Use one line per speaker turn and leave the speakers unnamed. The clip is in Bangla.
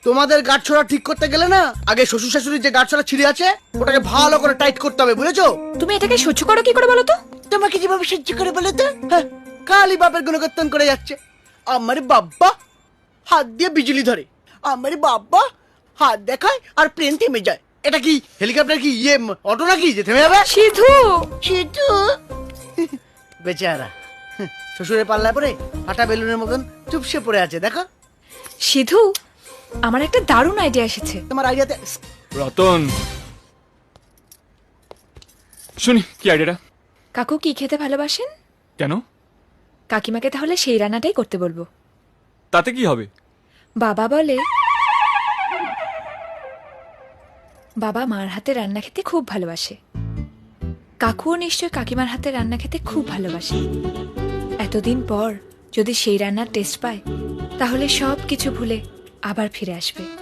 তোমাদের গাঁটছড়া ঠিক করতে গেলে না আগে শ্বশুর শাশুড়ির যে গাঁটছড়া ছিঁড়ে আছে ওটাকে ভালো করে টাইট করতে হবে, বুঝেছো?
তুমি এটাকে সহ্য করো কি করে বলো তো?
তোমাকে যেভাবে সহ্য করে বলে তো, হ্যাঁ, কালী বাপের গুণকীর্তন করে যাচ্ছে। আমার বাব্বা হাত দিয়ে বিজলি ধরে, আমার বাব্বা হাত দেখায় আর প্লেন থেমে যায়। এটা কি হেলিকপ্টার কি অটো নাকি যে থেমে যাবে?
সিধু,
সেটু বেচারা শ্বশুরের পাল্লায় পরে ফাটা বেলুনের মতন চুপসে পড়ে আছে, দেখো।
সিধু, আমার একটা দারুণ আইডিয়া এসেছে।
তোমার আইডিয়াতে
রতন, শুনি কি আইডিয়াটা?
কাকু কি খেতে ভালোবাসেন?
কেন?
কাকিমাকে তাহলে সেই রান্নাটাই করতে বলবো।
তাতে কি হবে?
বাবা বলে বাবা মার হাতে রান্না খেতে খুব ভালোবাসে। কাকুও নিশ্চয় কাকিমার হাতে রান্না খেতে খুব ভালোবাসে। এতদিন পর যদি সেই রান্নার টেস্ট পায় তাহলে সব কিছু ভুলে আবার ফিরে আসবে।